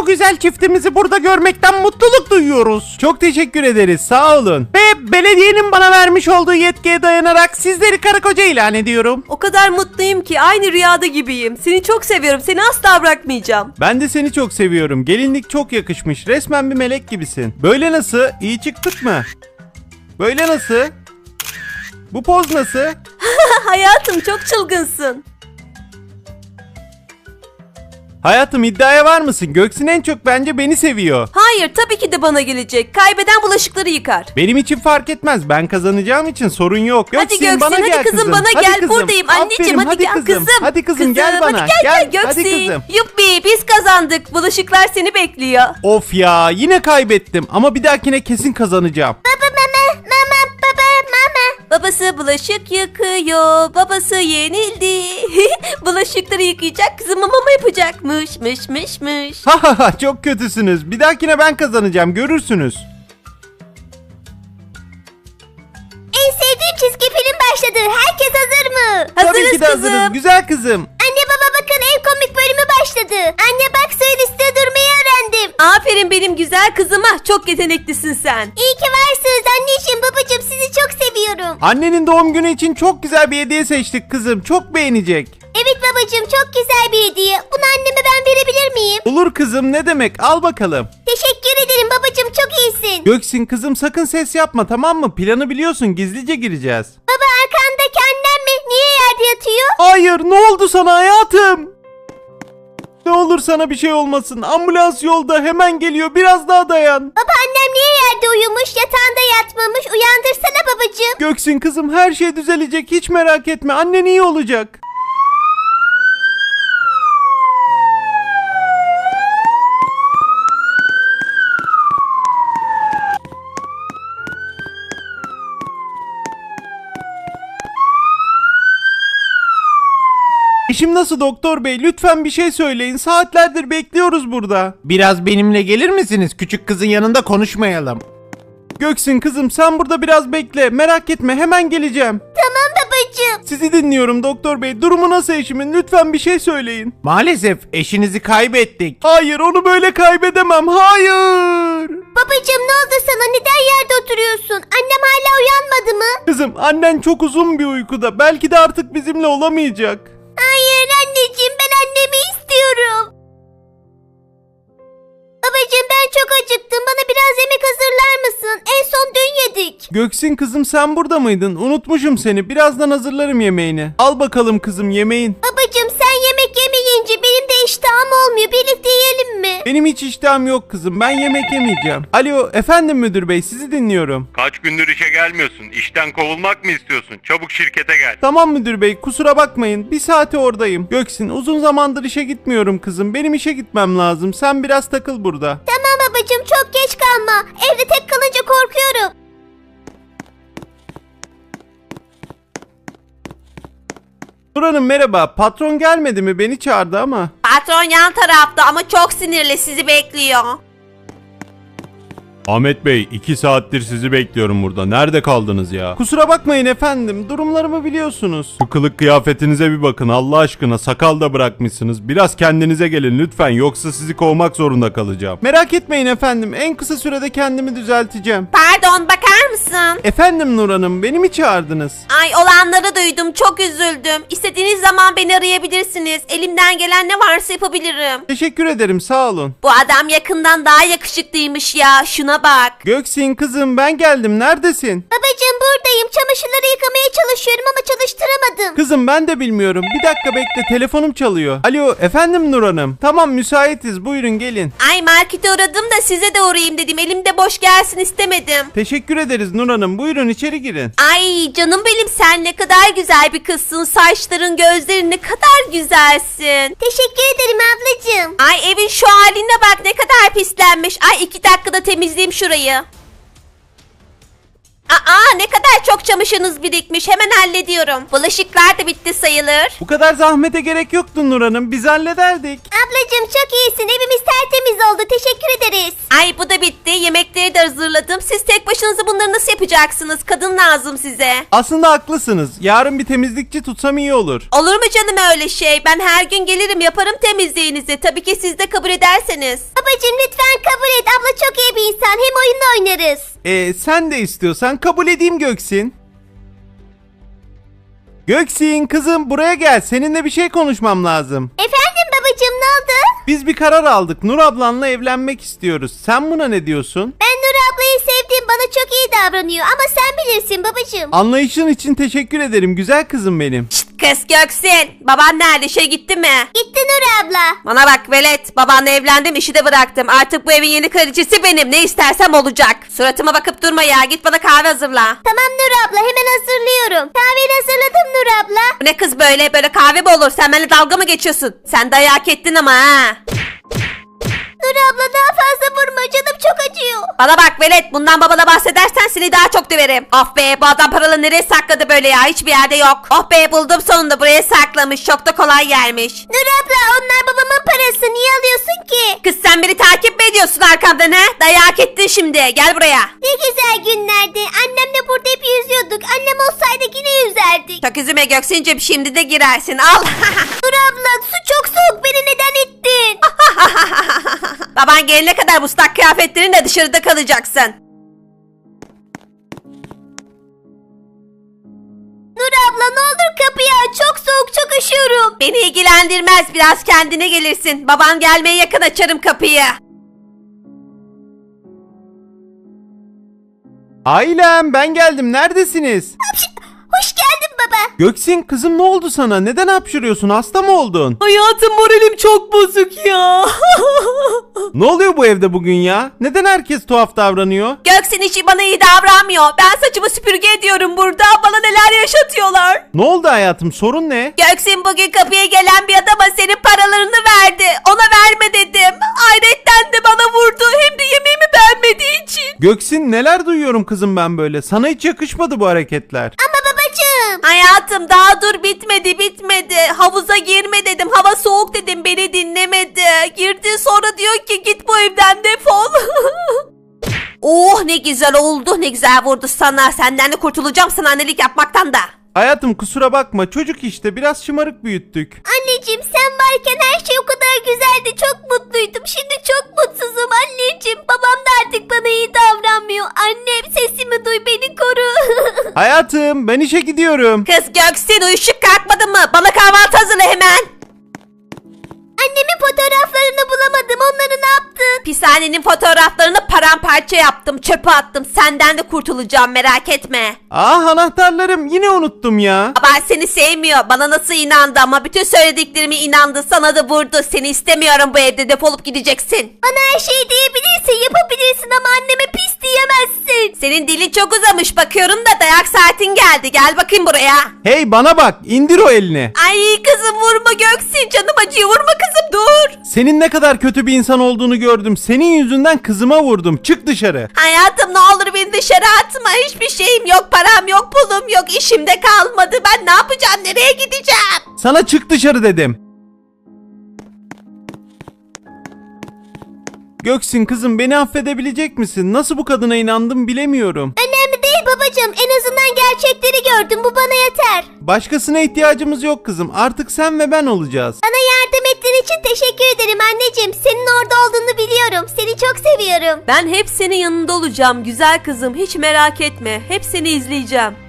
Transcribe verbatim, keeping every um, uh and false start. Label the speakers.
Speaker 1: o güzel çiftimizi burada görmekten mutluluk duyuyoruz.
Speaker 2: Çok teşekkür ederiz, sağ olun.
Speaker 1: Ve belediyenin bana vermiş olduğu yetkiye dayanarak sizleri karı koca ilan ediyorum.
Speaker 3: O kadar mutluyum ki aynı rüyada gibiyim. Seni çok seviyorum. Seni asla bırakmayacağım.
Speaker 2: Ben de seni çok seviyorum. Gelinlik çok yakışmış. Resmen bir melek gibisin. Böyle nasıl? İyi çıktık mı? Böyle nasıl? Bu poz nasıl?
Speaker 3: Hayatım çok çılgınsın.
Speaker 2: Hayatım, iddiaya var mısın? Göksin en çok bence beni seviyor.
Speaker 3: Hayır, tabii ki de bana gelecek. Kaybeden bulaşıkları yıkar.
Speaker 2: Benim için fark etmez. Ben kazanacağım için sorun yok.
Speaker 3: Hadi Göksin,
Speaker 2: bana
Speaker 3: hadi
Speaker 2: gel
Speaker 3: kızım, bana
Speaker 2: Hadi
Speaker 3: gel.
Speaker 2: kızım.
Speaker 3: Buradayım anneciğim,
Speaker 2: Aferin,
Speaker 3: hadi, gel
Speaker 2: kızım.
Speaker 3: kızım.
Speaker 2: Hadi kızım, gel bana.
Speaker 3: Hadi gel, gel
Speaker 2: Hadi
Speaker 3: Göksin.
Speaker 2: kızım.
Speaker 3: Yuppi, biz kazandık. Bulaşıklar seni bekliyor.
Speaker 2: Of ya, yine kaybettim ama bir dahakine kesin kazanacağım.
Speaker 3: Babası bulaşık yıkıyor. Babası yenildi. Bulaşıkları yıkayacak, kızıma mama yapacakmış. Mış mış mış.
Speaker 2: Ha ha ha, çok kötüsünüz. Bir dahakine ben kazanacağım, görürsünüz.
Speaker 4: En sevdiğim çizgi film başladı. Herkes hazır mı?
Speaker 3: Hazırız
Speaker 2: Tabii ki de
Speaker 3: kızım.
Speaker 2: hazırız, güzel kızım.
Speaker 4: Anne baba bakın, en komik bölümü başladı. Anne bak, suyun üstüne durmayı öğrendim.
Speaker 3: Aferin benim güzel kızıma. Çok yeteneklisin sen.
Speaker 4: İyi ki varsınız anneciğim, babacığım, sizi çok seviyorum.
Speaker 2: Annenin doğum günü için çok güzel bir hediye seçtik kızım. Çok beğenecek.
Speaker 4: Evet babacığım, çok güzel bir hediye. Bunu anneme ben verebilir miyim?
Speaker 2: Olur kızım, ne demek, al bakalım.
Speaker 4: Teşekkür ederim babacığım, çok iyisin.
Speaker 2: Göksin kızım, sakın ses yapma, tamam mı? Planı biliyorsun, gizlice gireceğiz.
Speaker 4: Baba, arkandaki annem mi? Niye yerde yatıyor?
Speaker 2: Hayır, ne oldu sana hayatım? Ne olur sana bir şey olmasın. Ambulans yolda, hemen geliyor, biraz daha dayan.
Speaker 4: Baba, annem niye yerde uyumuş, yatağında yatmamış? Uyandırsana babacığım.
Speaker 2: Göksin kızım, her şey düzelecek, hiç merak etme, annen iyi olacak. İşim nasıl doktor bey? Lütfen bir şey söyleyin. Saatlerdir bekliyoruz burada.
Speaker 1: Biraz benimle gelir misiniz? Küçük kızın yanında konuşmayalım.
Speaker 2: Göksin kızım, sen burada biraz bekle. Merak etme, hemen geleceğim.
Speaker 4: Tamam babacığım.
Speaker 2: Sizi dinliyorum doktor bey. Durumu nasıl eşimin? Lütfen bir şey söyleyin.
Speaker 1: Maalesef eşinizi kaybettik.
Speaker 2: Hayır, onu böyle kaybedemem. Hayır.
Speaker 4: Babacığım, ne oldu sana? Neden yerde oturuyorsun? Annem hala uyanmadı mı?
Speaker 2: Kızım, annen çok uzun bir uykuda. Belki de artık bizimle olamayacak.
Speaker 4: Hayır anneciğim, ben annemi istiyorum. Babacığım, ben çok acıktım. Bana biraz yemek hazırlar mısın? En son dün yedik.
Speaker 2: Göksin kızım, sen burada mıydın? Unutmuşum seni. Birazdan hazırlarım yemeğini. Al bakalım kızım yemeğin.
Speaker 4: Babacığım, sen yemek yemeyince benim de iştahım olmuyor. Birlikte yiyelim mi?
Speaker 2: Benim hiç iştahım yok kızım. Ben yemek yemeyeceğim. Alo, efendim müdür bey, sizi dinliyorum.
Speaker 5: Kaç gündür işe gelmiyorsun? İşten kovulmak mı istiyorsun? Çabuk şirkete gel.
Speaker 2: Tamam müdür bey, kusura bakmayın. Bir saate oradayım. Göksin, uzun zamandır işe gitmiyorum kızım. Benim işe gitmem lazım. Sen biraz takıl burada.
Speaker 4: Tamam babacığım, çok geç kalma. Evde tek kalınca korkuyorum.
Speaker 2: Nur Hanım merhaba. Patron gelmedi mi? Beni çağırdı ama.
Speaker 3: Patron yan tarafta ama çok sinirli, sizi bekliyor.
Speaker 2: Ahmet Bey, iki saattir sizi bekliyorum burada. Nerede kaldınız ya? Kusura bakmayın efendim. Durumlarımı biliyorsunuz. Şu kılık kıyafetinize bir bakın Allah aşkına. Sakal da bırakmışsınız. Biraz kendinize gelin lütfen. Yoksa sizi kovmak zorunda kalacağım. Merak etmeyin efendim. En kısa sürede kendimi düzelteceğim.
Speaker 3: Pardon, bakar mısın?
Speaker 2: Efendim Nur Hanım, beni mi çağırdınız?
Speaker 3: Ay, olanları duydum, çok üzüldüm. İstediğiniz zaman beni arayabilirsiniz. Elimden gelen ne varsa yapabilirim.
Speaker 2: Teşekkür ederim, sağ olun.
Speaker 3: Bu adam yakından daha yakışıklıymış ya, şuna bak.
Speaker 2: Göksin kızım, ben geldim. Neredesin?
Speaker 4: Babacığım, buradayım. Çamaşırları yıkamaya çalışıyorum ama çalıştıramadım.
Speaker 2: Kızım ben de bilmiyorum. Bir dakika bekle, telefonum çalıyor. Alo, efendim Nur Hanım. Tamam, müsaitiz, buyurun gelin.
Speaker 3: Ay, markete uğradım da size de uğrayayım dedim. Elimde boş gelsin istemedim.
Speaker 2: Teşekkür ederiz Nur Hanım. Buyurun içeri girin.
Speaker 3: Ay canım benim, sen ne kadar güzel bir kızsın. Saçların, gözlerin ne kadar güzelsin.
Speaker 4: Teşekkür ederim ablacığım.
Speaker 3: Ay, evin şu haline bak, ne kadar pislenmiş. Ay, iki dakikada temizleyeyim şurayı. Aa, ne kadar çok çamaşırınız birikmiş, hemen hallediyorum. Bulaşıklar da bitti sayılır.
Speaker 1: Bu kadar zahmete gerek yoktu Nur Hanım. Biz hallederdik.
Speaker 4: Ablacığım çok iyisin. Evimiz tertemiz oldu. Teşekkür ederiz.
Speaker 3: Ay, bu da bitti. Yemekleri de hazırladım. Siz tek başınıza bunları nasıl yapacaksınız? Kadın lazım size.
Speaker 1: Aslında haklısınız. Yarın bir temizlikçi tutsam iyi olur.
Speaker 3: Olur mu canım öyle şey? Ben her gün gelirim, yaparım temizliğinizi. Tabii ki siz de kabul ederseniz.
Speaker 4: Babacığım lütfen kabul et. Abla çok iyi bir insan. Hem oyun oynarız.
Speaker 1: Ee, sen de istiyorsan kabul edeyim Göksin. Göksin kızım buraya gel. Seninle bir şey konuşmam lazım.
Speaker 4: Efendim babacığım, ne oldu?
Speaker 1: Biz bir karar aldık. Nur ablanla evlenmek istiyoruz. Sen buna ne diyorsun?
Speaker 4: Ben Nur ablayı sevdim. Bana çok iyi davranıyor. Ama sen bilirsin babacığım.
Speaker 1: Anlayışın için teşekkür ederim güzel kızım benim.
Speaker 3: Şşt kız Göksin. Baban nerede? İşe gitti mi?
Speaker 4: Gitti Nur abla.
Speaker 3: Bana bak velet. Babanla evlendim, işi de bıraktım. Artık bu evin yeni kraliçesi benim. Ne istersem olacak. Suratıma bakıp durma ya. Git bana kahve hazırla.
Speaker 4: Tamam Nur abla, hemen hazırlıyorum. Kahveni hazırladım Nur abla.
Speaker 3: Bu ne kız böyle? Böyle kahve mi olur? Sen benimle dalga mı geçiyorsun? Sen dayak ettin ama ha.
Speaker 4: Nur abla daha fazla vurma, canım çok acıyor.
Speaker 3: Bana bak velet, bundan babana bahsedersen seni daha çok döverim. Of be, bu adam paraları nereye sakladı böyle ya? Hiçbir yerde yok. Oh be, buldum sonunda, buraya saklamış. Çok da kolay gelmiş.
Speaker 4: Nur abla, onlar babamın parası, niye alıyorsun ki?
Speaker 3: Kız sen beni takip mi ediyorsun arkamdan ha? Dayak ettin şimdi, gel buraya.
Speaker 4: Ne güzel günlerdi. Annemle burada hep yüzüyorduk. Annem olsaydı yine yüzerdik.
Speaker 3: Çok üzüme Göksin'cim, şimdi de girersin, al.
Speaker 4: Nur abla, su çok soğuk, beni neden ittin?
Speaker 3: Baban gelene kadar bu ıslak kıyafetlerinle dışarıda kalacaksın.
Speaker 4: Nur abla ne olur kapıyı aç, çok soğuk, çok üşüyorum.
Speaker 3: Beni ilgilendirmez, biraz kendine gelirsin. Baban gelmeye yakın açarım kapıyı.
Speaker 1: Ailem ben geldim. Neredesiniz?
Speaker 4: Hoş geldin baba.
Speaker 1: Göksin kızım ne oldu sana? Neden hapşırıyorsun? Hasta mı oldun?
Speaker 3: Hayatım, moralim çok bozuk ya.
Speaker 1: Ne oluyor bu evde bugün ya? Neden herkes tuhaf davranıyor?
Speaker 3: Göksin işi bana iyi davranmıyor. Ben saçımı süpürge ediyorum burada. Bana neler yaşatıyorlar.
Speaker 1: Ne oldu hayatım? Sorun ne?
Speaker 3: Göksin bugün kapıya gelen bir adama senin paralarını verdi. Ona verme dedim. Hayretten de bana vurdu. Hem de yemeğimi beğenmediği için.
Speaker 1: Göksin neler duyuyorum kızım ben böyle. Sana hiç yakışmadı bu hareketler.
Speaker 4: Ama babacığım.
Speaker 3: Hayatım daha dur, bitmedi bitmedi. Havuza girme dedim. Hava soğuk dedim. Beni dinlemedi. Girdi, sonra diyor ki git bu evden, defol. Oh ne güzel oldu. Ne güzel vurdu sana. Senden de kurtulacağım, sana annelik yapmaktan da.
Speaker 1: Hayatım kusura bakma. Çocuk işte biraz şımarık büyüttük.
Speaker 4: Anneciğim sen varken her şey o kadar güzeldi. Çok mutluydum. Şimdi çok mutsuzum anneciğim. Babam da artık bana iyi davranmıyor. Annem sesimi duy, beni koru.
Speaker 1: Hayatım ben işe gidiyorum.
Speaker 3: Kız Göksin, uyuşuk kalkmadın mı? Bana kahvaltı hazırla hemen.
Speaker 4: Annemin fotoğraflarını bulamadım. Onları ne yaptın?
Speaker 3: Pishanenin fotoğraflarını paramparça yaptım. Çöpe attım. Senden de kurtulacağım, merak etme.
Speaker 1: Ah anahtarlarım yine unuttum ya.
Speaker 3: Baban seni sevmiyor. Bana nasıl inandı ama bütün söylediklerime inandı. Sana da vurdu. Seni istemiyorum bu evde. Defolup gideceksin.
Speaker 4: Bana her şeyi diyebilirsin, yapabilirsin ama anneme pis diyemezsin.
Speaker 3: Senin dilin çok uzamış. Bakıyorum da dayak saatin geldi. Gel bakayım buraya.
Speaker 1: Hey bana bak indir o elini.
Speaker 3: Ay kızım vurma Göksin. Canım acıyor. Vurma kızım, dur.
Speaker 1: Senin ne kadar kötü bir insan olduğunu gördüm. Senin yüzünden kızıma vurdum. Çık dışarı.
Speaker 3: Hayatım ne olur beni dışarı atma. Hiçbir şeyim yok. Param yok. Pulum yok. İşim de kalmadı. Ben ne yapacağım? Nereye gideceğim?
Speaker 1: Sana çık dışarı dedim. Göksin kızım beni affedebilecek misin? Nasıl bu kadına inandım bilemiyorum.
Speaker 4: Önemli değil babacığım. En azından gerçekleri gördüm. Bu bana yeter.
Speaker 1: Başkasına ihtiyacımız yok kızım. Artık sen ve ben olacağız.
Speaker 4: Bana yardım ettiğin için teşekkür ederim anneciğim. Senin orada olduğunu biliyorum. Seni çok seviyorum.
Speaker 3: Ben hep senin yanında olacağım güzel kızım. Hiç merak etme. Hep seni izleyeceğim.